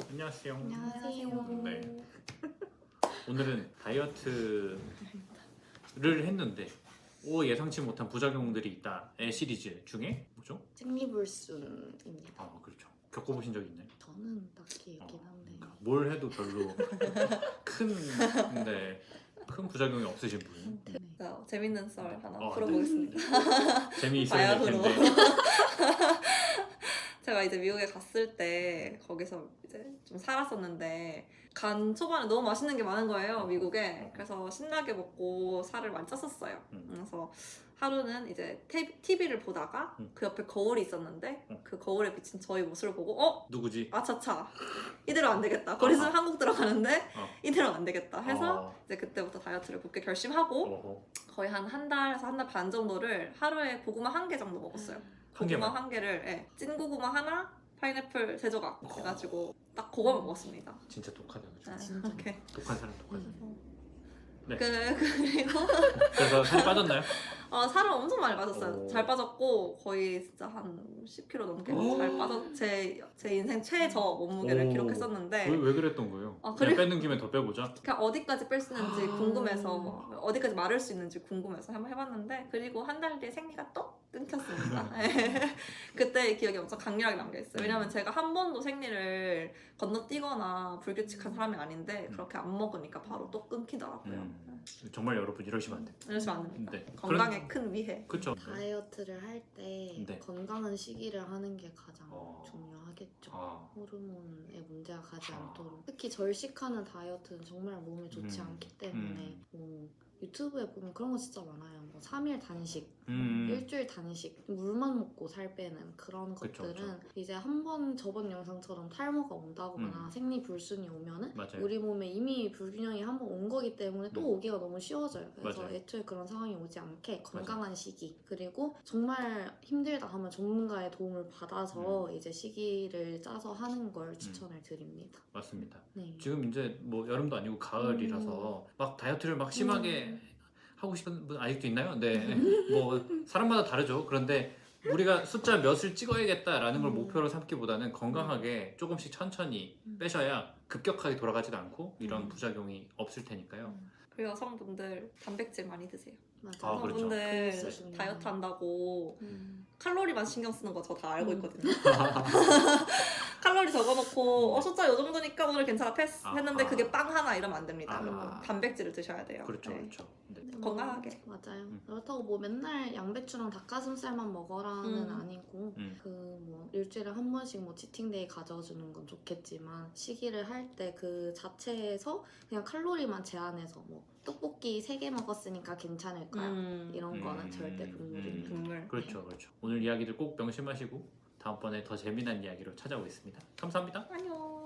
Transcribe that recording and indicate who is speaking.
Speaker 1: 안녕하세요.
Speaker 2: 안녕하세요.
Speaker 1: 네. 오늘은 다이어트를 했는데 예상치 못한 부작용들이 있다의 시리즈 중에 뭐죠?
Speaker 2: 생리불순입니다.
Speaker 1: 아 그렇죠. 겪어보신 적 있나요?
Speaker 2: 저는 딱히 있긴 한데
Speaker 1: 그러니까 뭘 해도 별로 큰 부작용이 없으신 분.
Speaker 2: 네.
Speaker 3: 재밌는 썰 하나
Speaker 1: 네.
Speaker 3: 풀어보겠습니다.
Speaker 1: 재미있어야 될
Speaker 3: 바야흐로.
Speaker 1: 텐데.
Speaker 3: 제가 이제 미국에 갔을 때 거기서 이제 좀 살았었는데 간 초반에 너무 맛있는 게 많은 거예요, 미국에. 그래서 신나게 먹고 살을 많이 쪘었어요. 그래서 하루는 이제 TV를 보다가 그 옆에 거울이 있었는데 그 거울에 비친 저희 모습을 보고
Speaker 1: 누구지?
Speaker 3: 아차차 이대로 안 되겠다. 거리 있으면 한국 들어가는데 이대로 안 되겠다 해서
Speaker 1: 아.
Speaker 3: 이제 그때부터 다이어트를 굳게 결심하고
Speaker 1: 어허.
Speaker 3: 거의 한 달에서 한 달 반 정도를 하루에 고구마 1개 정도 먹었어요.
Speaker 1: 한
Speaker 3: 고구마
Speaker 1: 개만?
Speaker 3: 한 개를 찐 고구마 하나, 파인애플 3조각 해가지고 딱 그거만 먹었습니다.
Speaker 1: 진짜 독하다 그죠?
Speaker 3: 네,
Speaker 2: 진짜.
Speaker 3: 오케이.
Speaker 1: 독한 사람 독한 사람. 네.
Speaker 3: 그리고
Speaker 1: 그래서 살이 빠졌나요?
Speaker 3: 살을 엄청 많이 빠졌어요.
Speaker 1: 오.
Speaker 3: 잘 빠졌고 거의 진짜 한 10kg 넘게 잘 빠졌. 제 인생 최저 몸무게를
Speaker 1: 오.
Speaker 3: 기록했었는데
Speaker 1: 왜 그랬던 거예요?
Speaker 3: 아,
Speaker 1: 그냥
Speaker 3: 그래?
Speaker 1: 빼는 김에 더 빼보자.
Speaker 3: 그냥 어디까지 뺄 수 있는지
Speaker 2: 아.
Speaker 3: 궁금해서 어디까지 마를 수 있는지 궁금해서 한번 해봤는데 그리고 한 달 뒤에 생리가 또 끊겼습니다. 그때 기억이 엄청 강렬하게 남겨있어요. 왜냐면 제가 한 번도 생리를 건너뛰거나 불규칙한 사람이 아닌데 그렇게 안 먹으니까 바로 또 끊기더라고요.
Speaker 1: 정말 여러분 이러시면 안 돼요.
Speaker 3: 이러시면 안 됩니다.
Speaker 1: 네.
Speaker 3: 건강에 큰 위해.
Speaker 1: 그렇죠.
Speaker 2: 다이어트를 할 때
Speaker 1: 네.
Speaker 2: 건강한 시기를 하는 게 가장
Speaker 1: 어.
Speaker 2: 중요하겠죠.
Speaker 1: 아.
Speaker 2: 호르몬에 문제가 가지
Speaker 1: 아.
Speaker 2: 않도록. 특히 절식하는 다이어트는 정말 몸에 좋지 않기 때문에 뭐 유튜브에 보면 그런 거 진짜 많아요. 뭐 3일 단식, 일주일 단식, 물만 먹고 살 빼는 그런
Speaker 1: 그쵸,
Speaker 2: 것들은 이제 한 번 저번 영상처럼 탈모가 온다거나 생리불순이 오면은
Speaker 1: 맞아요.
Speaker 2: 우리 몸에 이미 불균형이 한 번 온 거기 때문에 또 오기가 너무 쉬워져요. 그래서
Speaker 1: 맞아요.
Speaker 2: 애초에 그런 상황이 오지 않게 건강한 시기, 그리고 정말 힘들다 하면 전문가의 도움을 받아서 이제 시기를 짜서 하는 걸 추천을 드립니다.
Speaker 1: 맞습니다.
Speaker 2: 네.
Speaker 1: 지금 이제 뭐 여름도 아니고 가을이라서 막 다이어트를 막 심하게 하고 싶은 분 아직도 있나요? 네. 뭐 사람마다 다르죠. 그런데 우리가 숫자 몇을 찍어야겠다라는 걸 목표로 삼기보다는 건강하게 조금씩 천천히 빼셔야 급격하게 돌아가지도 않고 이런 부작용이 없을 테니까요.
Speaker 3: 그리고 여성분들 단백질 많이 드세요.
Speaker 2: 맞아.
Speaker 1: 아, 그렇죠.
Speaker 3: 여성분들
Speaker 2: 그거 진짜
Speaker 3: 다이어트 한다고
Speaker 2: 음.
Speaker 3: 칼로리만 신경 쓰는 거 저 다 알고 있거든요. 칼로리 적어놓고 숫자 요 정도니까 오늘 괜찮아 패스 했는데
Speaker 1: 아하.
Speaker 3: 그게 빵 하나 이러면 안 됩니다.
Speaker 1: 아하.
Speaker 3: 그러면 단백질을 드셔야 돼요.
Speaker 1: 그렇죠,
Speaker 3: 네.
Speaker 1: 그렇죠. 네.
Speaker 3: 건강하게.
Speaker 2: 맞아요. 그렇다고 뭐 맨날 양배추랑 닭가슴살만 먹어라는
Speaker 3: 음.
Speaker 2: 아니고
Speaker 1: 음.
Speaker 2: 뭐 일주일에 한 번씩 뭐 치팅데이 가져주는 건 좋겠지만 시기를 할 때 그 자체에서 그냥 칼로리만 제한해서 뭐 떡볶이 3개 먹었으니까 괜찮을까요? 이런 거는 절대 금물입니다.
Speaker 3: 국물.
Speaker 1: 그렇죠, 그렇죠. 오늘 이야기들 꼭 명심하시고 다음번에 더 재미난 이야기로 찾아오겠습니다. 감사합니다.
Speaker 3: 안녕.